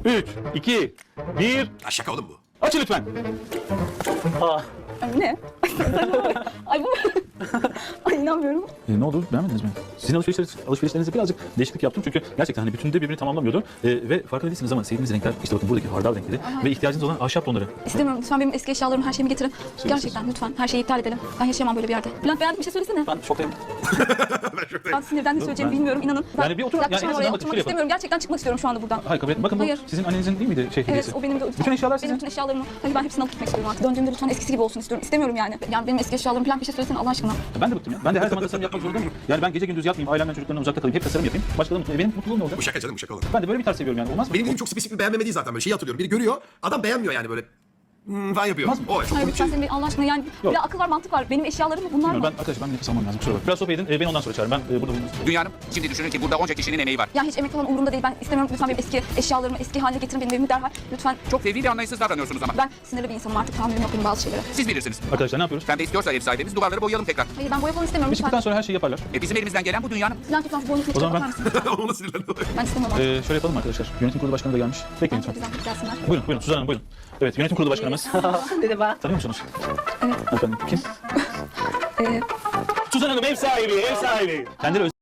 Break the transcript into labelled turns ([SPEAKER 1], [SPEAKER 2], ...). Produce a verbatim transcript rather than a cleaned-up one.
[SPEAKER 1] üç, iki, bir.
[SPEAKER 2] Ya şaka oğlum bu.
[SPEAKER 1] Açın lütfen.
[SPEAKER 3] Aa.
[SPEAKER 4] Ay, ne? Ay bu. Ay inanmıyorum.
[SPEAKER 1] E, ne oldu? Beğenmediniz mi? Sizin alışverişleriniz, alışverişlerinizde birazcık değişiklik yaptım çünkü gerçekten hani bütünde birbirini tamamlamıyordu. E, ve farkında değilsiniz ama sevdiğiniz renkler işte bakın buradaki hardal renkleri ve ihtiyacınız olan ahşap tonları.
[SPEAKER 4] İstemiyorum. Lütfen benim eski eşyalarımı, her şeyimi getirin. Gerçekten lütfen her şeyi iptal edelim. Ben yaşayamam böyle bir yerde. Bülent beğendin bir şey söylesene.
[SPEAKER 1] Ben şoktayım.
[SPEAKER 4] Ben sinirden ne söyleyeceğimi
[SPEAKER 1] ben-
[SPEAKER 4] bilmiyorum inanın. Ben
[SPEAKER 1] Yani bir oturun,
[SPEAKER 4] yaklaşamam
[SPEAKER 1] yani en
[SPEAKER 4] oraya,
[SPEAKER 1] azından bakın,
[SPEAKER 4] oturmak
[SPEAKER 1] şöyle yapın.
[SPEAKER 4] istemiyorum. Gerçekten çıkmak istiyorum şu anda buradan.
[SPEAKER 1] Hayır kabul et. Bakın bu
[SPEAKER 4] Hayır.
[SPEAKER 1] sizin annenizin değil miydi şey hediyesi?
[SPEAKER 4] Evet o benim de.
[SPEAKER 1] Bütün eşyalar
[SPEAKER 4] Benim
[SPEAKER 1] sizin.
[SPEAKER 4] bütün eşyalarımı. Hayır ben hepsini alıp gitmek istiyorum artık. Döndüğümde lütfen eskisi gibi olsun istiyorum. İstemiyorum yani. Yani benim eski eşyalarım falan bir şey söylesene Allah aşkına.
[SPEAKER 1] Ben de bıktım ya. Ben de her zaman tasarım yapmak zorunda mıyım? Yani ben gece gündüz yatmayayım, ailemden çocuklarımdan uzakta kalayım, hep tasarım yapayım. Başkaları mutlu. E, benim mutluluğum ne olacak?
[SPEAKER 2] Bu şaka canım bu şaka olur.
[SPEAKER 1] Ben de böyle bir tarz seviyorum yani. Olmaz mı?
[SPEAKER 2] Benim dediğim çok spesifik bir beğenmeme değil zaten böyle şeyi hatırlıyorum. Biri görüyor adam beğenmiyor yani böyle hmm, falan yapıyor.
[SPEAKER 1] Olmaz mı?
[SPEAKER 2] O çok
[SPEAKER 4] Hayır
[SPEAKER 2] komik bir
[SPEAKER 4] lütfen
[SPEAKER 2] şey.
[SPEAKER 4] senin bir Allah aşkına yani bir de akıl var mantık var. Benim eşyalarım mı bunlar
[SPEAKER 1] Bilmiyorum,
[SPEAKER 4] mı?
[SPEAKER 1] ben arkadaşlar ben nefes almam lazım. Kusura bakmayın. Biraz sohbet edin. E, beni ondan sonra çağırın. Ben e, burada bulunayım.
[SPEAKER 5] Dünyanın şimdi düşünün ki burada onca kişinin emeği var.
[SPEAKER 4] Ya hiç emek falan umurumda değil. Ben istemiyorum. Lütfen benim eski eşyalarımı eski haline getirin. Benim evimi derhal. Lütfen.
[SPEAKER 5] Çok fevri ve anlayışsız davranıyorsunuz ama.
[SPEAKER 4] Ben sinirli bir insanım artık. Tahammülüm yok benim bazı şeylere.
[SPEAKER 5] Siz bilirsiniz.
[SPEAKER 1] Arkadaşlar ne yapıyoruz?
[SPEAKER 5] Pembe istiyorsa ev sahibimiz duvarları boyayalım tekrar.
[SPEAKER 4] Hayır ben boya falan istemiyorum.
[SPEAKER 1] Bir çıktıktan
[SPEAKER 4] Lütfen.
[SPEAKER 1] sonra her şeyi yaparlar.
[SPEAKER 5] E bizim elimizden gelen bu dünyanın.
[SPEAKER 4] Bülent lütfen şu boyunu
[SPEAKER 1] O zaman
[SPEAKER 4] bakar
[SPEAKER 1] ben-
[SPEAKER 4] mısın?
[SPEAKER 2] Ona sinirleniyor.
[SPEAKER 4] Ben istemiyorum artık.
[SPEAKER 1] E, şöyle yapalım arkadaşlar. Yönetim kurulu başkanı da gelmiş. Bekleyin
[SPEAKER 4] Çok
[SPEAKER 1] lütfen.
[SPEAKER 4] güzel gelsinler.
[SPEAKER 1] Buyurun buyurun Suzan Hanım buyurun. Evet yönetim kurulu başkanımız.
[SPEAKER 3] Merhaba.
[SPEAKER 1] Tanıyor musunuz?
[SPEAKER 4] Evet.
[SPEAKER 1] Efendim kim?
[SPEAKER 4] Ee,
[SPEAKER 1] Suzan Hanım ev sahibi, ev sahibi. Kendileri